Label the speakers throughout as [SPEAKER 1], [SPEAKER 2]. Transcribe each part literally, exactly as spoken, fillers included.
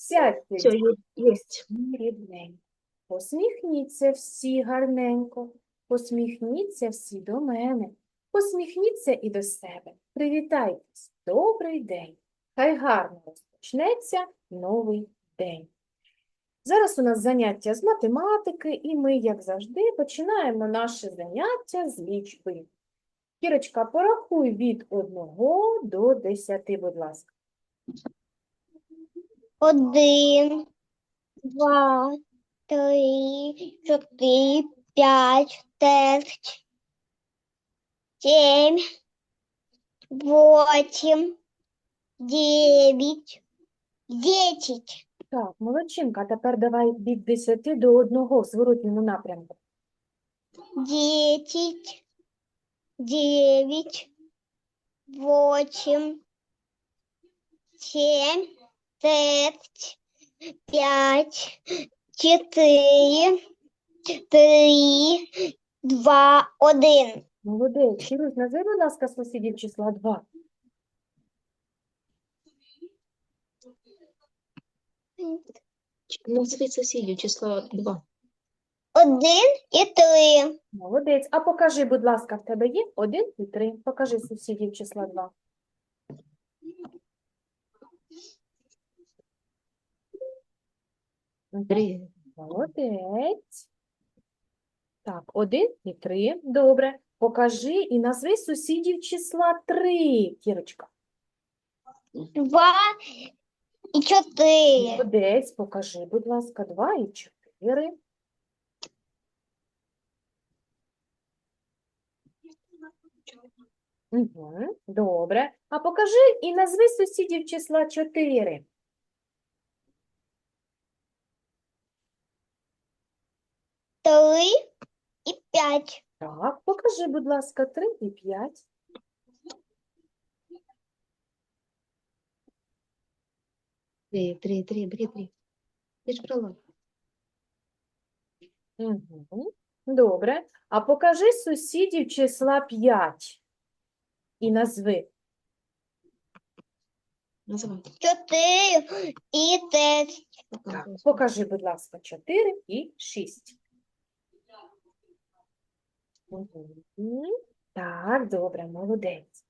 [SPEAKER 1] Сядьте,
[SPEAKER 2] Все, есть.
[SPEAKER 1] дітки, рідненько. Посміхніться всі гарненько. Посміхніться всі до мене. Посміхніться і до себе. Привітайтесь. Добрий день. Хай гарно розпочнеться новий день. Зараз у нас заняття з математики, і ми, як завжди, починаємо наше заняття з лічби. Кірочка, порахуй від одного до десяти, будь ласка.
[SPEAKER 3] Один, два, три, чотири, п'ять, шесть, сім, вісім, дев'ять, десять.
[SPEAKER 1] Так, молодчинка, а тепер давай від десяти до одного в зворотньому напрямку.
[SPEAKER 3] Десять, девять, восемь, семь, шесть, пять, четыре, три, два, один.
[SPEAKER 1] Молодець. Кірусь, назви, будь ласка, сусідів числа два.
[SPEAKER 2] Назови сусідів число два.
[SPEAKER 3] Один і три.
[SPEAKER 1] Молодець. А покажи, будь ласка, в тебе є один і три. Покажи сусідів числа два.
[SPEAKER 2] Три.
[SPEAKER 1] Молодець. Так, один і три. Добре. Покажи і назви сусідів числа три, Кірочка.
[SPEAKER 3] Два і чотири.
[SPEAKER 1] Молодець. Покажи, будь ласка, два і чотири. Угу. Добре. А покажи і назви сусідів числа чотири.
[SPEAKER 3] Три і п'ять.
[SPEAKER 1] Так, покажи, будь ласка, три і п'ять.
[SPEAKER 2] Три, три, три, три, три. Ти ж брала.
[SPEAKER 1] Угу. Добре. А покажи сусідів числа п'ять. І назви.
[SPEAKER 2] Називай.
[SPEAKER 3] Чотири і шесть.
[SPEAKER 1] Так, покажи, будь ласка, чотири і шість. Угу. Так, добре, молодець.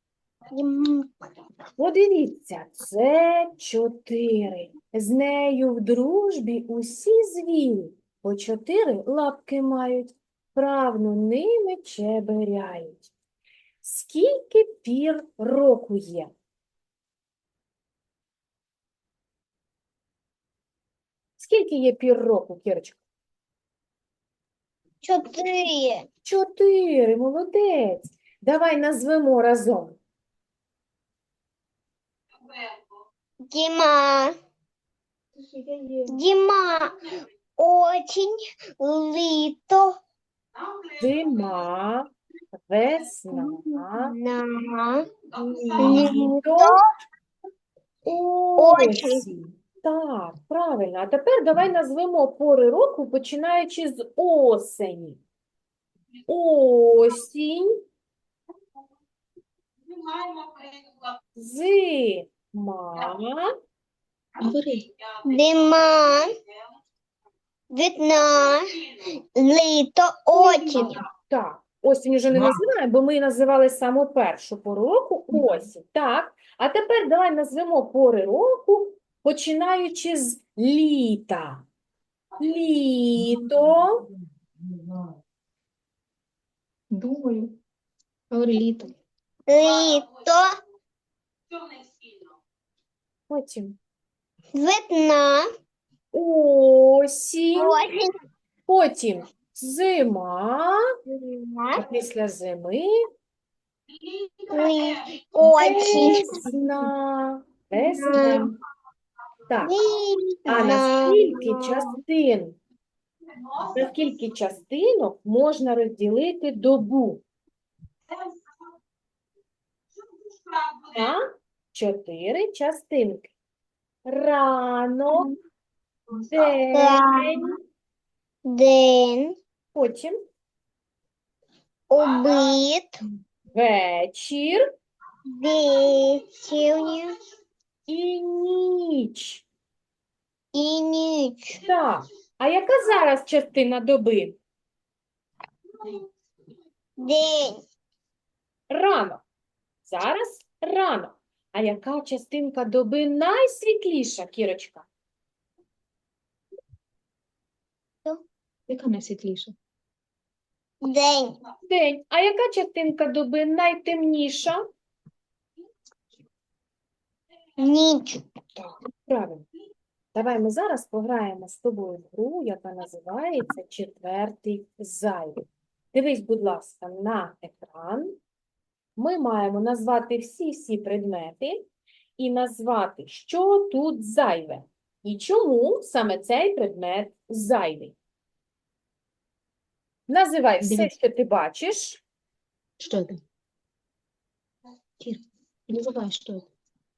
[SPEAKER 1] Подивіться, це чотири. З нею в дружбі усі звірі. По чотири лапки мають, правну ними чеберяють. Скільки пір року є? Скільки є пір року, Кірочка?
[SPEAKER 3] Чотири.
[SPEAKER 1] Чотири, молодець. Давай назвемо разом.
[SPEAKER 3] Зима. Зима. Осінь. Літо.
[SPEAKER 1] Зима, весна,
[SPEAKER 3] На.
[SPEAKER 1] літо, осінь. Так, правильно. А тепер давай назвемо пори року, починаючи з осені. Осінь, зима,
[SPEAKER 2] Говори.
[SPEAKER 3] Зима. Весна. Літо. Осінь.
[SPEAKER 1] так, осінь вже не називаємо, бо ми називали саму першу пору року осінь. Так, а тепер давай назвемо пори року, починаючи з літа. Літо,
[SPEAKER 2] Думаю. Говори літо.
[SPEAKER 3] Літо.
[SPEAKER 1] потім
[SPEAKER 3] Весна.
[SPEAKER 1] осінь,
[SPEAKER 3] Осінь.
[SPEAKER 1] потім зима, а
[SPEAKER 3] Зима.
[SPEAKER 1] після зими
[SPEAKER 3] Лі- Осінь.
[SPEAKER 1] весна. Весна. Так, а на
[SPEAKER 3] Весна.
[SPEAKER 1] скільки частин, на скільки частинок можна розділити добу? На чотири частинки. Ранок, день,
[SPEAKER 3] День.
[SPEAKER 1] потім
[SPEAKER 3] Обід.
[SPEAKER 1] вечір
[SPEAKER 3] Вечірня.
[SPEAKER 1] і ніч.
[SPEAKER 3] і ніч.
[SPEAKER 1] Так. А яка зараз частина доби?
[SPEAKER 3] День.
[SPEAKER 1] Ранок. Зараз ранок. А яка частинка доби найсвітліша, Кірочка?
[SPEAKER 2] Яка найсвітліша?
[SPEAKER 3] День.
[SPEAKER 1] День. А яка частинка доби найтемніша?
[SPEAKER 3] Ніч.
[SPEAKER 1] Так, правильно. Давай ми зараз пограємо з тобою в гру, яка називається «Четвертий зайвий». Дивись, будь ласка, на екран. Ми маємо назвати всі-всі предмети і назвати, що тут зайве. І чому саме цей предмет зайвий. Називай все,
[SPEAKER 2] Дивись.
[SPEAKER 1] що ти бачиш.
[SPEAKER 2] Что это? Кир, называй, что это?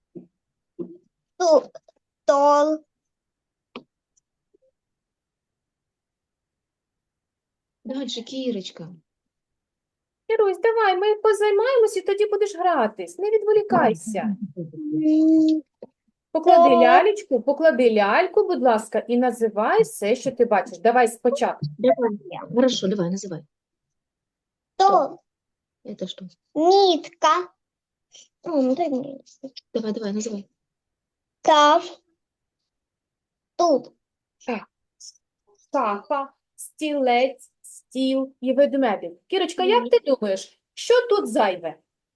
[SPEAKER 3] Ту- Стол.
[SPEAKER 2] Дальше, Кирочка.
[SPEAKER 1] Ірусь, давай, ми позаймаємось і тоді будеш гратись. Не відволікайся.
[SPEAKER 3] М,
[SPEAKER 1] Поклади
[SPEAKER 3] Так.
[SPEAKER 1] лялечку, поклади ляльку, будь ласка, і називай все, що ти бачиш. Давай спочатку.
[SPEAKER 2] Давай. Хорошо, давай, называй.
[SPEAKER 3] Стол.
[SPEAKER 2] Это что?
[SPEAKER 3] Нитка. О, ну дай мне.
[SPEAKER 2] Давай, давай, называй.
[SPEAKER 3] Кав. Тут.
[SPEAKER 1] Шафа, стілець, стіл і ведмедик. Кірочка, як ти думаєш, що тут зайве?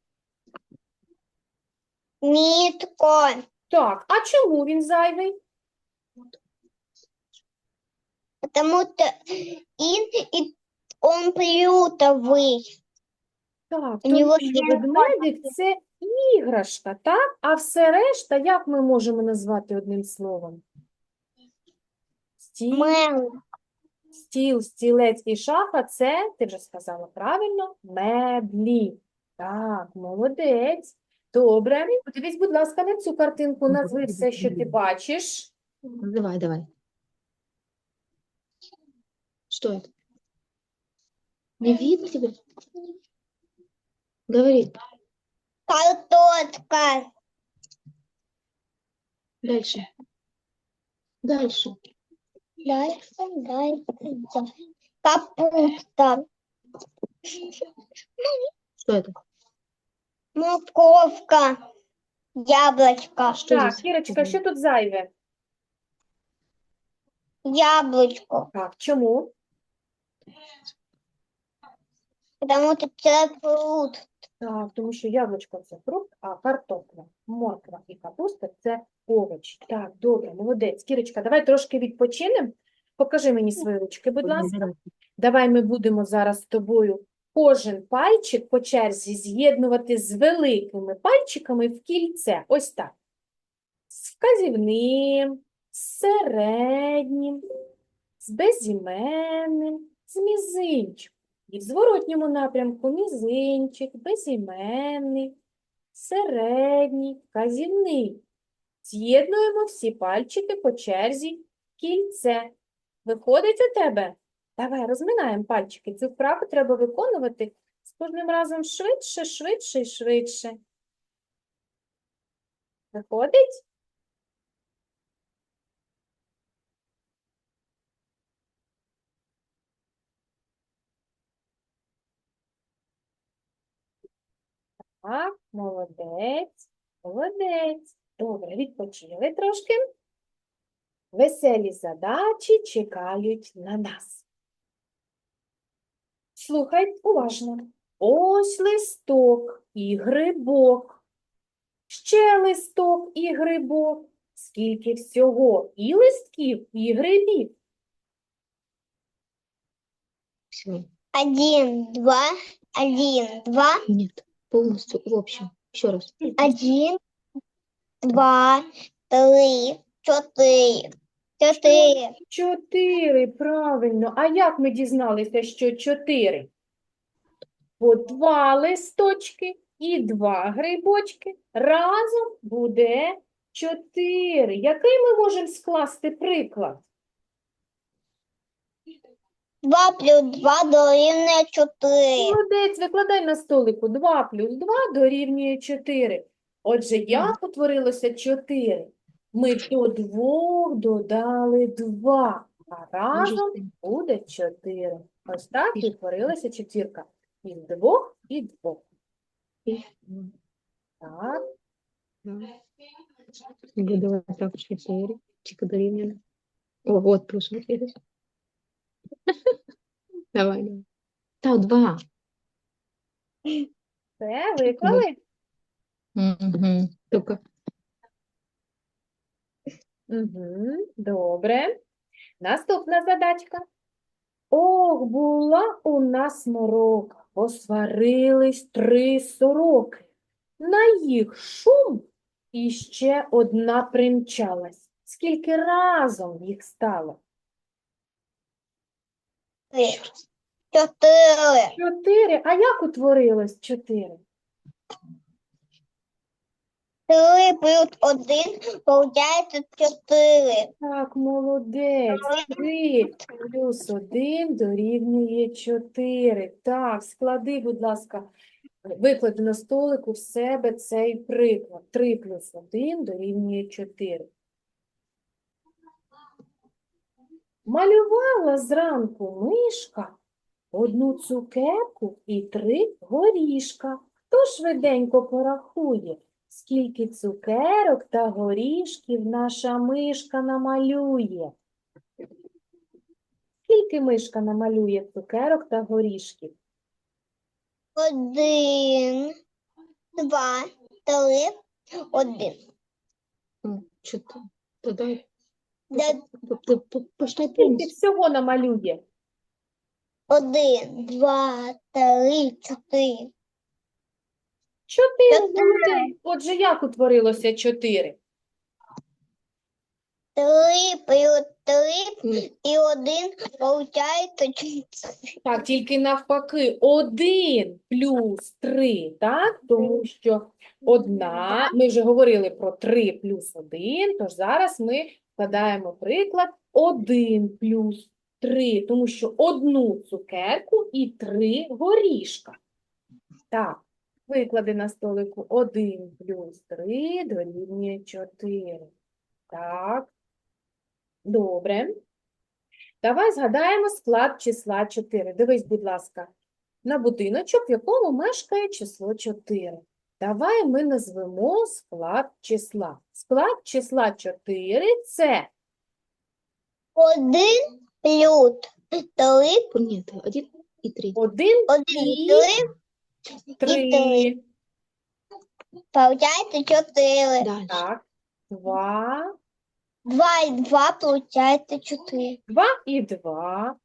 [SPEAKER 3] Нитко.
[SPEAKER 1] Так, а чому він зайвий?
[SPEAKER 3] Потому что и, и он приютовый.
[SPEAKER 1] Так,
[SPEAKER 3] У нього
[SPEAKER 1] тому що
[SPEAKER 3] є
[SPEAKER 1] ведмедик – це іграшка, так? А все решта, як ми можемо назвати одним словом? Стіл,
[SPEAKER 3] Мел.
[SPEAKER 1] стіл, стілець і шафа – це, ти вже сказала правильно, меблі. Так, молодець. Добре. Подивись, будь ласка, на цю картинку, назви все, що ти бачиш.
[SPEAKER 2] Называй, давай. Что это? Не видно тебя? Говори.
[SPEAKER 3] Картошка.
[SPEAKER 2] Дальше. Дальше.
[SPEAKER 3] Дальше, дальше, дальше. Капуста.
[SPEAKER 2] Что это?
[SPEAKER 3] Морковка. Яблочко.
[SPEAKER 2] Что
[SPEAKER 1] Так,
[SPEAKER 2] здесь?
[SPEAKER 1] Кірочка, що тут зайве?
[SPEAKER 3] Яблочко.
[SPEAKER 1] Так, чому?
[SPEAKER 3] Потому что это фрукт.
[SPEAKER 1] Так, тому що яблучко – це фрукт, а картопля, морква і капуста – це овочі. Так, добре, молодець. Кірочка, давай трошки відпочинемо. Покажи мені свої ручки, будь ласка.
[SPEAKER 2] Давай.
[SPEAKER 1] Давай ми будемо зараз з тобою кожен пальчик по черзі з'єднувати з великими пальчиками в кільце. Ось так. З вказівним, з середнім, з безіменним, з мізинчиком. І в зворотньому напрямку мізинчик, безіменний, середній, вказівний. З'єднуємо всі пальчики по черзі в кільце. Виходить у тебе? Давай, розминаємо пальчики. Цю вправу треба виконувати з кожним разом швидше, швидше і швидше. Виходить? Так, молодець, молодець. Добре, відпочили трошки. Веселі задачі чекають на нас. Слухай уважно. Ось листок і грибок. Ще листок і грибок. Скільки всього і листків, і грибів.
[SPEAKER 2] Всего.
[SPEAKER 3] Один, два, один, два,
[SPEAKER 2] Нет. Полностью, в общем. Еще раз.
[SPEAKER 3] один, два, три, четыре, четыре.
[SPEAKER 1] Чотири, правильно. А як ми дізналися, що чотири? Бо два листочки і два грибочки разом буде чотири. Який ми можемо скласти приклад?
[SPEAKER 3] Два плюс два дорівнює чотири.
[SPEAKER 1] Молодець, викладай на столику. два плюс два дорівнює чотири. Отже, як утворилося чотири? Ми до двох додали два, а
[SPEAKER 2] Можеш
[SPEAKER 1] разом
[SPEAKER 2] ти.
[SPEAKER 1] буде чотири. Ось так
[SPEAKER 2] Більше.
[SPEAKER 1] відтворилася четвірка. Із двох і двох.
[SPEAKER 2] Ну,
[SPEAKER 1] Так,
[SPEAKER 2] да. Буде так чотири. Чика дорівнює. О, от плюс от видиш. Давай, давай. Та, два.
[SPEAKER 1] все, виклали?
[SPEAKER 2] Угу. Тільки
[SPEAKER 1] Угу, добре. Наступна задачка. Ох, була у нас морока, посварились три сороки. На їх шум іще одна примчалась. Скільки разом їх стало?
[SPEAKER 3] Три. Чотири.
[SPEAKER 1] Чотири. А як утворилось чотири?
[SPEAKER 3] Три плюс один получається чотири.
[SPEAKER 1] Так, молодець. Три плюс один дорівнює чотири. Так, склади, будь ласка, виклади на столику в себе цей приклад. Три плюс один дорівнює чотири. Малювала зранку мишка одну цукерку і три горішка. Хто швиденько порахує, скільки цукерок та горішків наша мишка намалює? Скільки мишка намалює цукерок та горішків?
[SPEAKER 3] Один, два, три, один.
[SPEAKER 2] О, чотири. Додай.
[SPEAKER 3] Де-
[SPEAKER 2] Посчитай
[SPEAKER 1] Скільки
[SPEAKER 2] плюс.
[SPEAKER 1] всього намалює?
[SPEAKER 3] Один, два, три, чотири.
[SPEAKER 1] Чотири.
[SPEAKER 3] Чотири.
[SPEAKER 1] молодець. Отже, як утворилося чотири?
[SPEAKER 3] Три плюс три
[SPEAKER 2] Ні.
[SPEAKER 3] і один получається чотири.
[SPEAKER 1] Так, тільки навпаки, один плюс три, так? Тому що одна, ми вже говорили про три плюс один, тож зараз ми складаємо приклад один плюс три, тому що одну цукерку і три горішка. Так, виклади на столику один плюс три дорівнює чотири. Так, добре. Давай згадаємо склад числа чотири. Дивись, будь ласка, на будиночок, в якому мешкає число чотири. Давай ми назвемо склад числа. Склад числа чотири – це
[SPEAKER 3] Один плюс три,
[SPEAKER 2] Ні, це один і три.
[SPEAKER 1] один
[SPEAKER 3] один,
[SPEAKER 1] і
[SPEAKER 3] три,
[SPEAKER 1] три.
[SPEAKER 3] получається чотири.
[SPEAKER 2] Далі.
[SPEAKER 1] Так, два,
[SPEAKER 3] Два і два получається чотири.
[SPEAKER 1] два і два,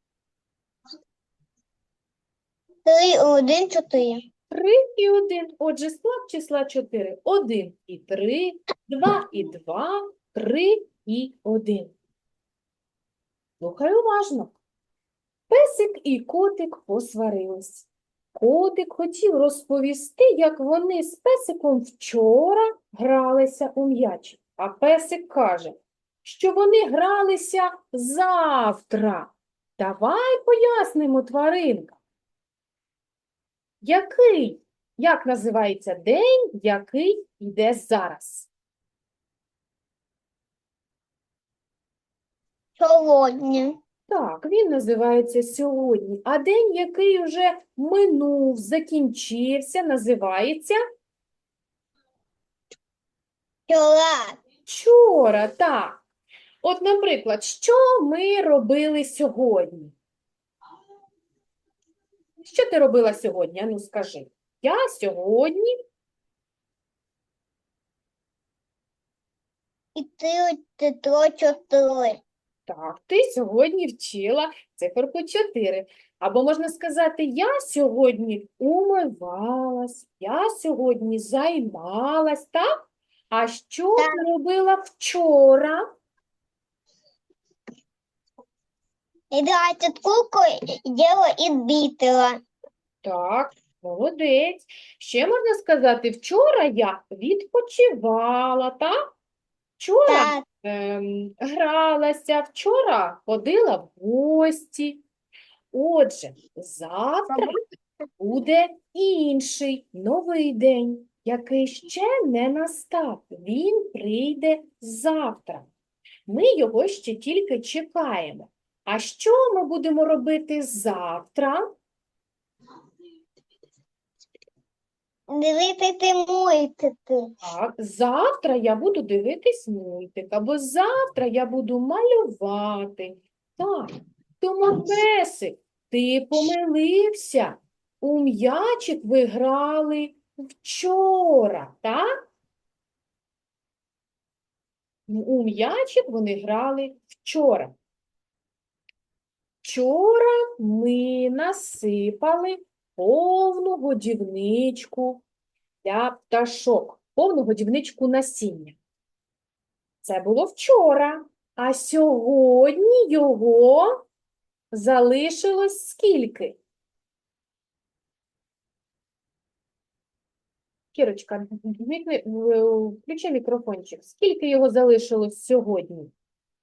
[SPEAKER 3] Три і один, чотири.
[SPEAKER 1] три і один. Отже, склад числа чотири. один і три, два і два, три і один. Слухай уважно. Песик і котик посварились. Котик хотів розповісти, як вони з песиком вчора гралися у м'яч. А песик каже, що вони гралися завтра. Давай пояснимо, тваринка. Який, як називається день, який йде зараз?
[SPEAKER 3] Сьогодні.
[SPEAKER 1] Так, він називається сьогодні. А день, який вже минув, закінчився, називається
[SPEAKER 3] Вчора.
[SPEAKER 1] вчора. Так. От, наприклад, що ми робили сьогодні? Що ти робила сьогодні? Ану, скажи. Я сьогодні,
[SPEAKER 3] І три, три, чотири.
[SPEAKER 1] так, ти сьогодні вчила циферку чотири. Або можна сказати, я сьогодні умивалась, я сьогодні займалась, так? А що
[SPEAKER 3] Так.
[SPEAKER 1] ти робила вчора?
[SPEAKER 3] І двадцять кукол діло і бітила.
[SPEAKER 1] Так, молодець. Ще можна сказати, вчора я відпочивала, так? Вчора
[SPEAKER 3] Так.
[SPEAKER 1] ем, гралася, вчора ходила в гості. Отже, завтра буде інший, новий день. який ще не настав. Він прийде завтра. Ми його ще тільки чекаємо. А що ми будемо робити завтра?
[SPEAKER 3] Дивитися мультики.
[SPEAKER 1] Так, завтра я буду дивитись мультик, або завтра я буду малювати. Так, тому, песик, ти помилився. У м'ячик ви грали вчора, так? У м'ячик вони грали вчора. Вчора ми насипали повну годівничку для пташок, повну годівничку насіння. Це було вчора, а сьогодні його залишилось скільки? Кірочка, вмикни- в- включи мікрофончик. Скільки його залишилось сьогодні?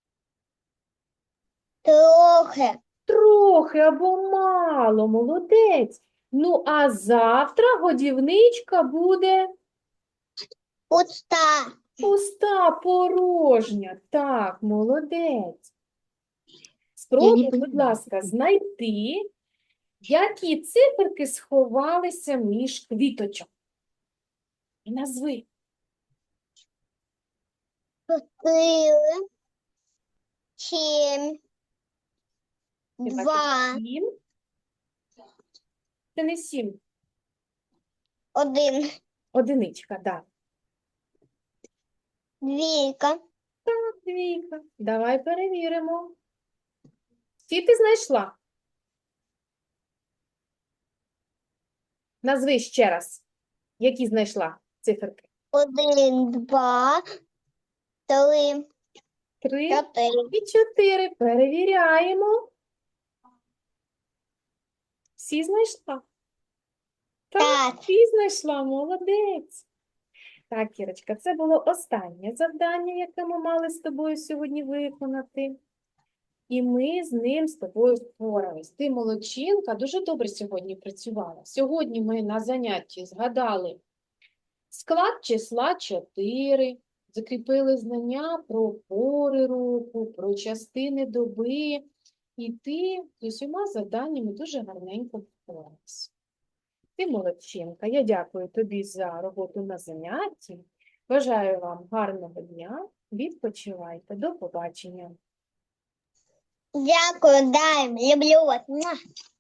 [SPEAKER 3] Трохи.
[SPEAKER 1] Трохи або мало, молодець. Ну, а завтра годівничка буде
[SPEAKER 3] Пуста.
[SPEAKER 1] пуста, порожня. Так, молодець.
[SPEAKER 2] Я
[SPEAKER 1] Спробуй,
[SPEAKER 2] не
[SPEAKER 1] будь
[SPEAKER 2] понимаю.
[SPEAKER 1] ласка, знайти, які циферки сховалися між квіточок. І назви.
[SPEAKER 3] Чотири. Сім.
[SPEAKER 1] Ти бачиш
[SPEAKER 3] Два.
[SPEAKER 1] сім. Це не сім,
[SPEAKER 3] Один.
[SPEAKER 1] одиничка, так.
[SPEAKER 3] Двійка.
[SPEAKER 1] Так, двійка. Давай перевіримо. Скільки ти знайшла? Назви ще раз, які знайшла циферки.
[SPEAKER 3] Один, два, три,
[SPEAKER 1] Три
[SPEAKER 3] чотири.
[SPEAKER 1] і чотири. Перевіряємо. Всі знайшла? Так,
[SPEAKER 3] Так.
[SPEAKER 1] всі знайшла, молодець. Так, Кірочка, це було останнє завдання, яке ми мали з тобою сьогодні виконати. І ми з ним з тобою впорались. Ти молодчинка, дуже добре сьогодні працювала. Сьогодні ми на занятті згадали склад числа чотири, закріпили знання про пори року, про частини доби. І ти з усіма завданнями дуже гарненько впоралась. Ти молодчинка. Я дякую тобі за роботу на занятті. Бажаю вам гарного дня. Відпочивайте. До побачення.
[SPEAKER 3] Дякую, дай, люблю вас. Муа.